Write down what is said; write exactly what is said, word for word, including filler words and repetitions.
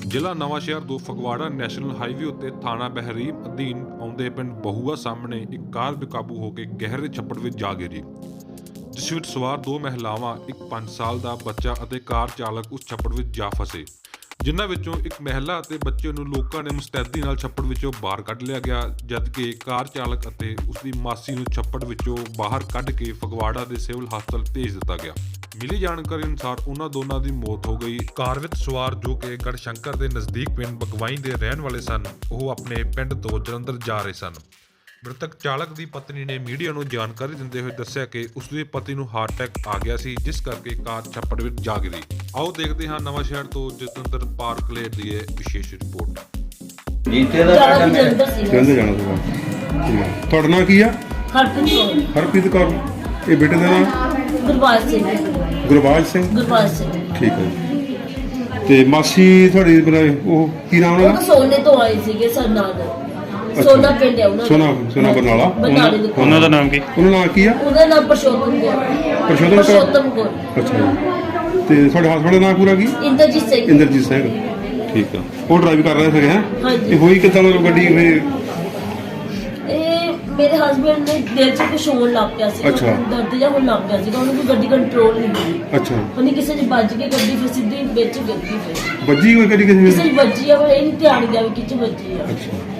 ਜ਼ਿਲ੍ਹਾ ਨਵਾਂਸ਼ਹਿਰ ਤੋਂ Phagwara national highway ਉੱਤੇ ਥਾਣਾ ਬਹਿਰੀਮ ਅਧੀਨ ਆਉਂਦੇ ਪਿੰਡ ਬਹੂਆ ਸਾਹਮਣੇ ਇੱਕ ਕਾਰ ਬੇਕਾਬੂ ਹੋ ਕੇ ਗਹਿਰੇ ਛੱਪੜ ਵਿੱਚ ਜਾ ਗਿਰੀ, ਜਿਸ ਵਿੱਚ ਸਵਾਰ ਦੋ ਮਹਿਲਾਵਾਂ, ਇੱਕ ਪੰਜ ਸਾਲ ਦਾ ਬੱਚਾ ਅਤੇ ਕਾਰ ਚਾਲਕ ਉਸ ਛੱਪੜ ਵਿੱਚ ਜਾ ਫਸੇ, ਜਿਨ੍ਹਾਂ ਵਿੱਚੋਂ ਇੱਕ ਮਹਿਲਾ ਅਤੇ ਬੱਚੇ ਨੂੰ ਲੋਕਾਂ ਨੇ ਮੁਸਤੈਦੀ ਨਾਲ ਛੱਪੜ ਵਿੱਚੋਂ ਬਾਹਰ ਕੱਢ ਲਿਆ ਗਿਆ, ਜਦਕਿ ਕਾਰ ਚਾਲਕ ਅਤੇ ਉਸ ਦੀ ਮਾਸੀ ਨੂੰ ਛੱਪੜ ਵਿੱਚੋਂ ਬਾਹਰ ਕੱਢ ਕੇ ਫਗਵਾੜਾ ਦੇ ਸਿਵਲ ਹਸਪਤਾਲ ਭੇਜ ਦਿੱਤਾ ਗਿਆ। ਮਿਲੀ ਜਾਣਕਾਰੀ ਅਨੁਸਾਰ ਉਹਨਾਂ ਦੋਨਾਂ ਦੀ ਮੌਤ ਹੋ ਗਈ। ਕਾਰ ਵਿੱਚ ਸਵਾਰ ਜੋ ਕਿ ਗੜਸ਼ੰਕਰ ਦੇ ਨਜ਼ਦੀਕ ਪਿੰਡ ਬਗਵਾਈ ਦੇ ਰਹਿਣ ਵਾਲੇ ਸਨ, ਉਹ ਆਪਣੇ ਪਿੰਡ ਤੋਂ ਜਲੰਧਰ ਜਾ ਰਹੇ ਸਨ। ਮ੍ਰਿਤਕ ਚਾਲਕ ਦੀ ਪਤਨੀ ਨੇ ਮੀਡੀਆ ਨੂੰ ਜਾਣਕਾਰੀ ਦਿੰਦੇ ਹੋਏ ਦੱਸਿਆ ਕਿ ਉਸ ਦੇ ਪਤੀ ਨੂੰ ਹਾਰਟ ਅਟੈਕ ਆ ਗਿਆ ਸੀ, ਜਿਸ ਕਰਕੇ ਕਾਰ ਛੱਪੜ ਵਿੱਚ ਜਾ ਗਿਰੀ। ਆਓ ਦੇਖਦੇ ਹਾਂ ਨਵਾਂਸ਼ਹਿਰ ਤੋਂ ਜਤਿੰਦਰ ਪਾਰਕਲੇਟ ਦੀ ਇਹ ਵਿਸ਼ੇਸ਼ ਰਿਪੋਰਟ। ਜੀਤੇ ਦਾ ਪਿੰਡ ਮੈਂ ਜਲੰਧਰ ਜਾਣਾ ਸੀਗਾ। ਠੀਕ ਹੈ, ਤੁਹਾਡਾ ਨਾਂ ਕੀ ਆ? ਹਰਪ੍ਰੀਤ ਕੌਰ। ਹਰਪ੍ਰੀਤ ਕੌਰ। ਇਹ ਬੇਟੇ ਦਾ ਨਾਮ? ਗੁਰਬਾਜ ਸਿੰਘ। ਗੁਰਬਾਜ ਸਿੰਘ। ਗੁਰਬਾਜ ਸਿੰਘ। ਠੀਕ ਹੈ ਜੀ। ਤੇ ਮਾਸੀ ਤੁਹਾਡੀ ਬਣਾਏ ਉਹ ਕੀ ਨਾਮ ਉਹ ਉਹਨਾਂ ਤਾਂ ਦਾ? ਸੋਨੇ ਤੋਂ ਆਏ ਸੀਗੇ ਸਰਨਾਲ। ਸੋਨਾ ਪਿੰਡ ਹੈ ਉਹਨਾਂ ਦਾ। ਸੋਨਾ ਸੋਨਾ ਬਰਨਾਲਾ। ਬਰਨਾਲੇ ਦੇ ਕੋਲ। ਉਹਨਾਂ ਦਾ ਨਾਮ ਕੀ? ਉਹਨਾਂ ਦਾ ਨਾਂ ਕੀ ਆ? ਉਹਦਾ ਨਾਮ ਪਰਸ਼ੋਤਮ ਕੌਰ। ਪਰਸ਼ੋਤਮ ਕੌਰ। ਪਰਸ਼ੋਤਮ ਕੌਰ। ਅੱਛਾ ਜੀ। ਤੇ ਤੁਹਾਡੇ ਹਸਬੰਡ ਦਾ ਨਾਂ ਪੂਰਾ ਕੀ? ਇੰਦਰਜੀਤ ਸਿੰਘ। ਇੰਦਰਜੀਤ ਸਿੰਘ। ਠੀਕ ਆ। ਉਹ ਡਰਾਈਵ ਕਰ ਰਹੇ ਸੀਗੇ ਹੈ? ਹਾਂਜੀ। ਇਹ ਹੋਈ ਕਿੱਦਾਂ ਮਤਲਬ ਗੱਡੀ ਫਿਰ? ਇਹ ਮੇਰੇ ਹਸਬੰਡ ਨੇ ਦਿਲ 'ਚ ਕੁਛ ਹੋਣ ਲੱਗ ਪਿਆ ਸੀ। ਅੱਛਾ। ਦਰਦ ਜਿਹਾ ਹੋਣ ਲੱਗ ਪਿਆ ਸੀਗਾ, ਉਹਨੂੰ ਕੋਈ ਗੱਡੀ ਕੰਟਰੋਲ ਨਹੀਂ ਹੋਈ। ਅੱਛਾ। ਉਹਨੇ ਕਿਸੇ 'ਚ ਵੱਜ ਕੇ ਗੱਡੀ ਫਿਰ ਸਿੱਧੀ ਵਿੱਚ ਗਿਰ ਗਈ। ਫਿਰ ਵੱਜੀ ਕੋਈ ਗੱਡੀ ਕਿਸੇ ਕਿਸੇ ਨੇ? 'ਚ ਵੱਜੀ ਆ, ਪਰ ਇਹ ਨਹੀਂ ਧਿਆਨ ਗਿਆ ਵੀ ਕਿੱਥੇ ਵੱਜੀ ਆ। ਅੱਛਾ।